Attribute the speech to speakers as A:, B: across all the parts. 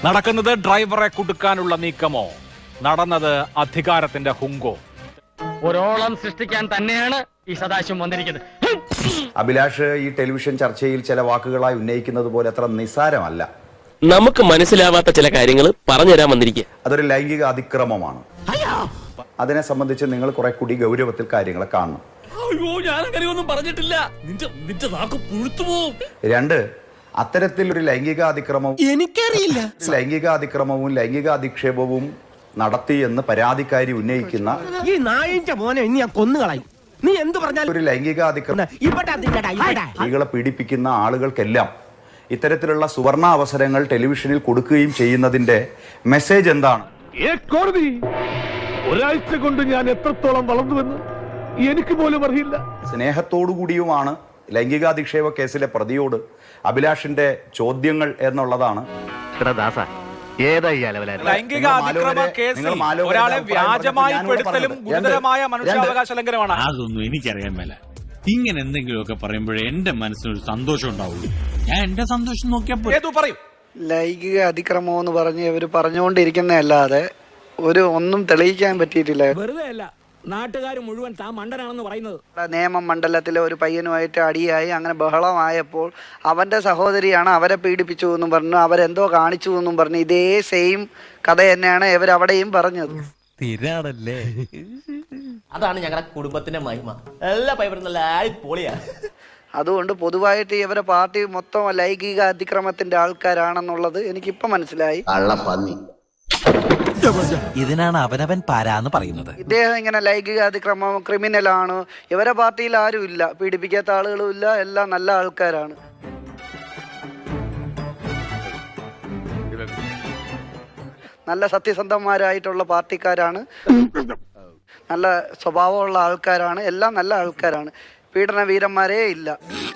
A: നടക്കുന്നത് ഡ്രൈവറെ കുടുക്കാനുള്ള നീക്കമോ, നടന്നത് അധികാരത്തിന്റെ ഹുങ്കോ?
B: ഒരോളം സൃഷ്ടിക്കാൻ തന്നെയാണ് ഈ സദാശിവം വന്നിരിക്കുന്നത്.
C: അഭിലാഷ് ഈ ടെലിവിഷൻ ചർച്ചയിൽ ചില വാക്കുകളായി ഉന്നയിക്കുന്നത് പോലെ അത്ര നിസ്സാരമല്ല.
D: നമുക്ക് മനസ്സിലാവാത്ത ചില കാര്യങ്ങൾ പറഞ്ഞുതരാൻ വന്നിരിക്കുക.
C: അതൊരു ലൈംഗിക അതിക്രമമാണ്. അതിനെ സംബന്ധിച്ച് നിങ്ങൾ കുറെ കൂടി ഗൗരവത്തിൽ കാര്യങ്ങളെ കാണണം. രണ്ട്, അത്തരത്തിലൊരു ലൈംഗിക അതിക്രമവും എനിക്കറിയില്ല ലൈംഗിക അതിക്രമവും ലൈംഗിക അധിക്ഷേപവും നടത്തി എന്ന് പരാതിക്കാരി ഉന്നയിക്കുന്ന
E: ഈ നായിന്റെ മോനെ ഇനി ഞാൻ കൊന്നുകളയും. നീ എന്ത് പറഞ്ഞാലും
C: ഒരു ലൈംഗിക അതിക്രമം സ്ത്രീകളെ പീഡിപ്പിക്കുന്ന ആളുകൾക്കെല്ലാം ഇത്തരത്തിലുള്ള സുവർണ അവസരങ്ങൾ ടെലിവിഷനിൽ കൊടുക്കുകയും ചെയ്യുന്നതിന്റെ മെസ്സേജ് എന്താണ്?
F: ഒരാഴ്ച കൊണ്ട് ഞാൻ എത്രത്തോളം വളർന്നുവെന്ന് എനിക്ക് പോലും അറിയില്ല.
C: സ്നേഹത്തോടുകൂടിയുമാണ് ലൈംഗികാധിക്ഷേപ കേസിലെ പ്രതിയോട് അഭിലാഷിന്റെ ചോദ്യങ്ങൾ എന്നുള്ളതാണ്.
A: ലൈംഗിക അതിക്രമ കേസിൽ ഒരാളെ വ്യാജമായി പെടുത്തലും ഗുരുതരമായ മനുഷ്യാവകാശ ലംഘനമാണ്.
G: അതൊന്നും എനിക്കറിയാൻ മേല. ഇങ്ങനെ എന്തെങ്കിലുമൊക്കെ പറയുമ്പോഴേ എന്റെ മനസ്സിനൊരു സന്തോഷം ഉണ്ടാവുള്ളൂ. ഞാൻ എന്റെ സന്തോഷം നോക്കിയപ്പോ
A: പറയും.
H: ലൈംഗിക അതിക്രമം എന്ന് പറഞ്ഞ് ഇവര് പറഞ്ഞുകൊണ്ടിരിക്കുന്നതല്ലാതെ ഒന്നും തെളിയിക്കാൻ പറ്റിയിട്ടില്ല.
E: വെറുതെ അല്ല നാട്ടുകാർ മുഴുവൻ താൻ മണ്ടനാണെന്ന് പറയുന്നത്.
H: നേമം മണ്ഡലത്തിലെ ഒരു പയ്യനുമായിട്ട് അടിയായി അങ്ങനെ ബഹളമായപ്പോൾ അവന്റെ സഹോദരിയാണ് അവരെ പീഡിപ്പിച്ചു എന്നും പറഞ്ഞു, അവരെന്തോ കാണിച്ചു എന്നും പറഞ്ഞു. ഇതേ സെയിം കഥ തന്നെയാണ് ഇവരവിടെയും പറഞ്ഞത്.
I: സ്ഥിരാണല്ലേ.
D: അതാണ് ഞങ്ങളുടെ കുടുംബത്തിന്റെ മഹിമ. എല്ലാ പൈപ്പറും നല്ല പൊളിയാ.
H: അതുകൊണ്ട് പൊതുവായിട്ട് ഇവരെ പാർട്ടി മൊത്തം ലൈംഗിക അതിക്രമത്തിന്റെ ആൾക്കാരാണെന്നുള്ളത് എനിക്കിപ്പം മനസ്സിലായി.
I: ഇതിനാണ് അവനവൻ പാരാന്ന് പറയുന്നത്.
H: ഇദ്ദേഹം ഇങ്ങനെ ലൈംഗിക അതിക്രമം ക്രിമിനലാണ്, ഇവരെ പാർട്ടിയിൽ ആരും ഇല്ല, പീഡിപ്പിക്കാത്ത ആളുകളും ഇല്ല, എല്ലാം നല്ല ആൾക്കാരാണ്. നല്ല സത്യസന്ധന്മാരായിട്ടുള്ള പാർട്ടിക്കാരാണ്, നല്ല സ്വഭാവമുള്ള ആൾക്കാരാണ്, എല്ലാം നല്ല ആൾക്കാരാണ്. പീഡന വീരന്മാരേ ഇല്ല.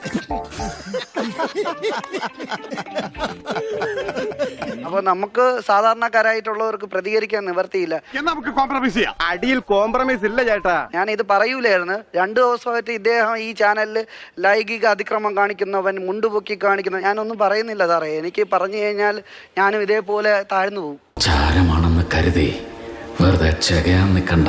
H: അപ്പൊ നമുക്ക് സാധാരണക്കാരായിട്ടുള്ളവർക്ക് പ്രതികരിക്കാൻ നിവർത്തിയില്ല.
F: നമുക്ക് കോംപ്രമൈസ് ചെയ്യാം. അടിയിൽ കോംപ്രമൈസ് ഇല്ല ചേട്ടാ.
H: ഞാൻ ഇത് പറയൂലായിരുന്നു. 2 ദിവസമായിട്ട് ഇദ്ദേഹം ഈ ചാനലിൽ ലൈംഗിക അതിക്രമം കാണിക്കുന്നവൻ, മുണ്ടുപൊക്കി കാണിക്കുന്ന, ഞാനൊന്നും പറയുന്നില്ല സാറേ. എനിക്ക് പറഞ്ഞു കഴിഞ്ഞാൽ ഞാനും ഇതേപോലെ താഴ്ന്നു പോകും.
J: ചാരമാണെന്ന് കരുതി വെറുതെ ചകയാൻ നിൽക്കണ്ട.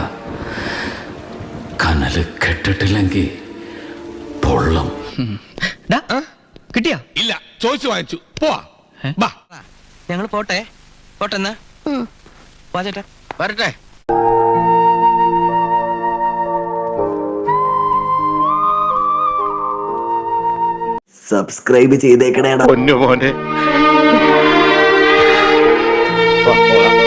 J: കനല് കെട്ടിട്ടില്ലെങ്കിൽ പൊള്ളം.
E: കിട്ടിയാ?
F: ഇല്ല, ചോദിച്ചു വാങ്ങിച്ചു. പോവാ.
E: ഞങ്ങൾ പോട്ടെ. പോട്ടെന്നാ വാചേട്ടാ വരട്ടെ.
I: സബ്സ്ക്രൈബ് ചെയ്തേക്കണേടാ
F: പൊന്നു മോനെ.